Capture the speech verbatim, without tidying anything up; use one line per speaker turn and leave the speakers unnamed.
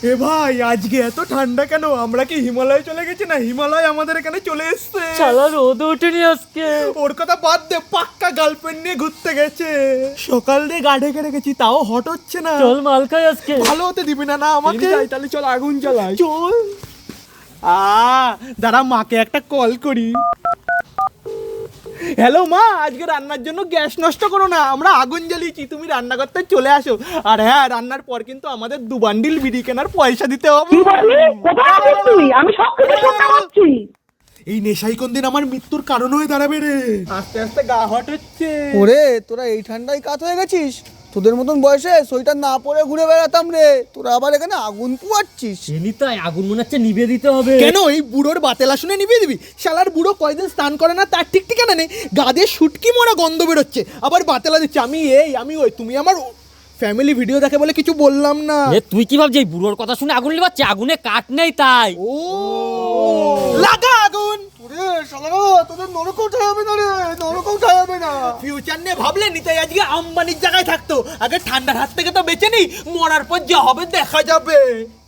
এ ভাই আজকে এত ঠান্ডা কেন? আমরা কি হিমালয়ে চলে গেছি না হিমালয় আমাদের এখানে চলে এসছে?
শালা রোদ ওঠেনি আজকে।
ওর কথা বাদ দে, পাক্কা গার্লফ্রেন্ড নিয়ে ঘুরতে গেছে। সকাল দিয়ে গা ঢেকে রেখেছি তাও হট হচ্ছে না।
চল মাল খাই আজকে।
ভালো হতে দিবি না না আমাকে?
তাহলে চল আগুন জ্বালাই।
চল। আ দাঁড়া মাকে একটা কল করি। হ্যালো মা, আজকে রান্নার জন্য গ্যাস নষ্ট করো না, আমরা আগুন জ্বালিয়েছি, তুমি রান্না করতে চলে আসো। আর হ্যাঁ, রান্নার পর কিন্তু আমাদের দু বান্ডিল বিড়ি কেনার পয়সা দিতে হবে।
আমি সব কিছু শুনতে পাচ্ছি।
এই নেশাই কোন দিন আমার মৃত্যুর কারণ হয়ে দাঁড়াবে রে। আস্তে আস্তে গা হট হচ্ছে।
ওরে তোরা এই ঠান্ডায় কাত হয়ে গেছিস? তোদের মতন বয়সে সোয়েটার না পরে ঘুরে বেড়াতাম রে, তোরা আবার এখানে আগুন পুয়াচ্ছিস।
এমনিতাই আগুন মনে হচ্ছে নিভে দিতে হবে।
কেন এই বুড়োর বাতেলা শুনে নিভিয়ে দিবি? শালার বুড়ো কয়দিন স্নান করে না তার ঠিক ঠিকানা নেই, গা দিয়ে শুটকি মরা গন্ধ বেরোচ্ছে, আবার বাতেলা দিচ্ছে। আমি এই আমি ওই, তুমি আমার ফ্যামিলি ভিডিও দেখে বলে কিছু বললাম না।
এ তুই কি ভাবছিস এই বুড়োর কথা শুনে আগুন লিবাচ্ছে? আগুনে কাঠ নেই তাই।
ও লাগা আগুন।
ওরে শালারা, তোদের নরক উঠে যাবে না রে, নরক উঠে যাবে না।
ফিউচার নিয়ে ভাবলে নিতাই আজকে আম্বানির জায়গায় থাকতো। আগে ঠান্ডার হাত থেকে তো বেঁচে নেই, মরার পর যা হবে দেখা যাবে।